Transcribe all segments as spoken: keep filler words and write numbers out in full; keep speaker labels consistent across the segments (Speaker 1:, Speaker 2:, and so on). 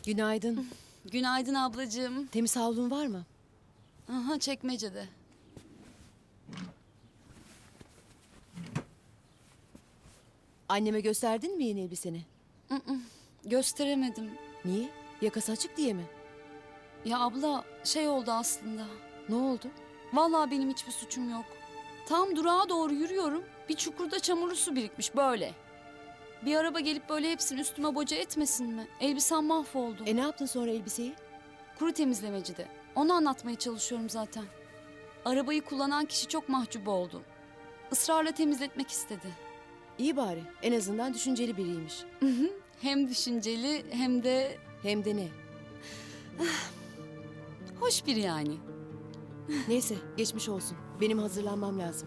Speaker 1: Günaydın.
Speaker 2: Günaydın ablacığım.
Speaker 1: Temiz havlun var mı?
Speaker 2: Aha, çekmecede.
Speaker 1: Anneme gösterdin mi yeni elbiseni?
Speaker 2: Gösteremedim.
Speaker 1: Niye? Yakası açık diye mi?
Speaker 2: Ya abla şey oldu aslında.
Speaker 1: Ne oldu?
Speaker 2: Vallahi benim hiçbir suçum yok. Tam durağa doğru yürüyorum. Bir çukurda çamurlu su birikmiş böyle. Bir araba gelip böyle hepsini üstüme boca etmesin mi? Elbisem mahvoldu.
Speaker 1: E ne yaptın sonra elbiseyi?
Speaker 2: Kuru temizlemecide. Onu anlatmaya çalışıyorum zaten. Arabayı kullanan kişi çok mahcup oldu. Israrla temizletmek istedi.
Speaker 1: İyi bari. En azından düşünceli biriymiş.
Speaker 2: Hem düşünceli hem de
Speaker 1: Hem de ne?
Speaker 2: hoş biri yani.
Speaker 1: Neyse geçmiş olsun. Benim hazırlanmam lazım.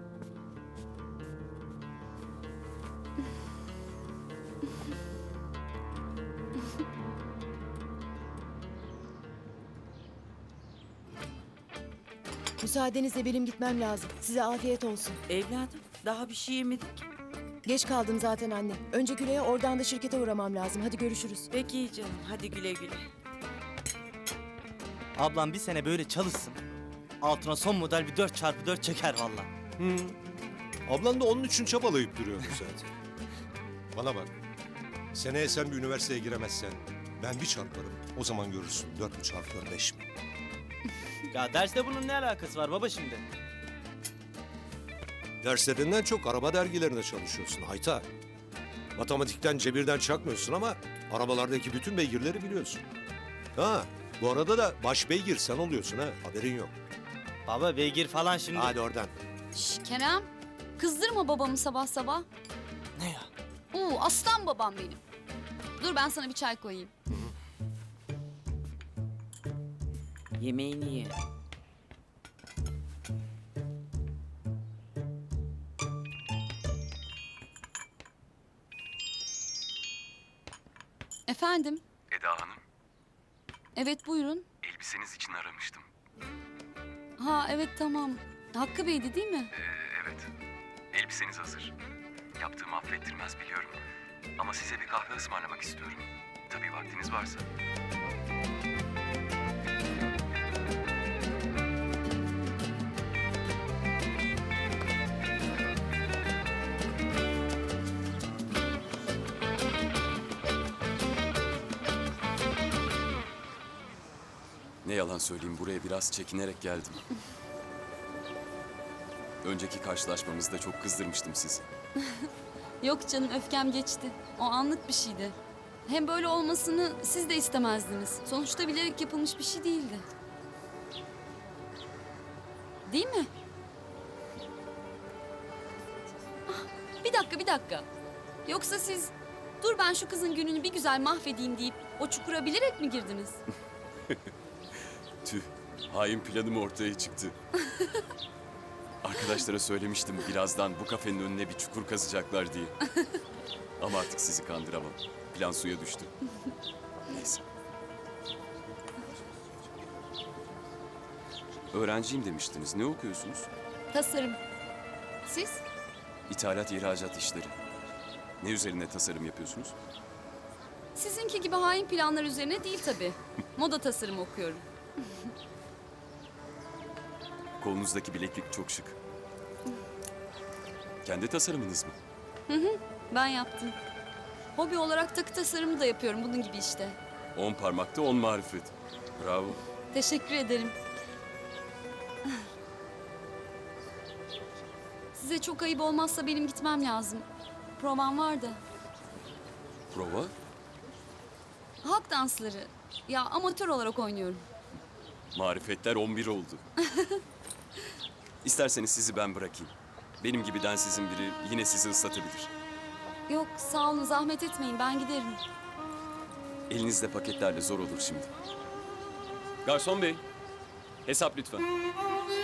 Speaker 1: Müsaadenizle benim gitmem lazım. Size afiyet olsun.
Speaker 3: Evladım daha bir şey yemedik.
Speaker 1: Geç kaldım zaten anne. Önce Güle'ye, oradan da şirkete uğramam lazım. Hadi görüşürüz.
Speaker 3: Peki canım, hadi güle güle.
Speaker 4: Ablam bir sene böyle çalışsın. Altına son model bir dört çarpı dört çeker valla.
Speaker 5: Ablan da onun için çabalayıp duruyordu zaten. Bana bak. Seneye sen bir üniversiteye giremezsen ben bir çarparım. O zaman görürsün. Dört mü çarpıyor, beş mi?
Speaker 4: Ya dersle bunun ne alakası var baba şimdi?
Speaker 5: Derslerinden çok araba dergilerinde çalışıyorsun Hayta. Matematikten, cebirden çakmıyorsun ama arabalardaki bütün beygirleri biliyorsun. Ha, bu arada da baş beygir sen oluyorsun ha. Haberin yok.
Speaker 4: Baba beygir falan şimdi.
Speaker 5: Hadi oradan.
Speaker 2: Şş, Kerem, kızdırma babamı sabah sabah.
Speaker 4: Ne ya?
Speaker 2: Oo, aslan babam benim. Dur ben sana bir çay koyayım.
Speaker 3: Yemeğini ye.
Speaker 2: Efendim?
Speaker 6: Eda Hanım,
Speaker 2: Evet buyurun.
Speaker 6: elbiseniz için aramıştım.
Speaker 2: Ha evet tamam. Hakkı Bey'di değil mi?
Speaker 6: Ee, evet, elbiseniz hazır. Yaptığımı affettirmez biliyorum. Ama size bir kahve ısmarlamak istiyorum. Tabii vaktiniz varsa.
Speaker 7: Ne yalan söyleyeyim, buraya biraz çekinerek geldim. Önceki karşılaşmamızda çok kızdırmıştım sizi.
Speaker 2: Yok canım öfkem geçti. O anlık bir şeydi. Hem böyle olmasını siz de istemezdiniz. Sonuçta bilerek yapılmış bir şey değildi. Değil mi? Ah, bir dakika bir dakika. Yoksa siz dur ben şu kızın gününü bir güzel mahvedeyim deyip o çukura bilerek mi girdiniz?
Speaker 7: Tüh, hain planım ortaya çıktı. Arkadaşlara söylemiştim birazdan bu kafenin önüne bir çukur kazacaklar diye. Ama artık sizi kandıramam. Plan suya düştü. Neyse. Öğrenciyim demiştiniz. Ne okuyorsunuz?
Speaker 2: Tasarım. Siz?
Speaker 7: İthalat, ihracat işleri. Ne üzerine tasarım yapıyorsunuz?
Speaker 2: Sizinki gibi hain planlar üzerine değil tabii. Moda tasarımı okuyorum.
Speaker 7: Kolunuzdaki bileklik çok şık. Kendi tasarımınız mı?
Speaker 2: Ben yaptım. Hobi olarak takı tasarımı da yapıyorum bunun gibi işte.
Speaker 7: On parmakta on marifet. Bravo.
Speaker 2: Teşekkür ederim. Size çok ayıp olmazsa benim gitmem lazım. Provam var da.
Speaker 7: Prova?
Speaker 2: Halk dansları. Ya amatör olarak oynuyorum.
Speaker 7: Marifetler on bir oldu. İsterseniz sizi ben bırakayım. Benim gibi densizin biri yine sizi ıslatabilir.
Speaker 2: Yok sağ olun zahmet etmeyin ben giderim.
Speaker 7: Elinizde paketlerle zor olur şimdi. Garson bey, hesap lütfen.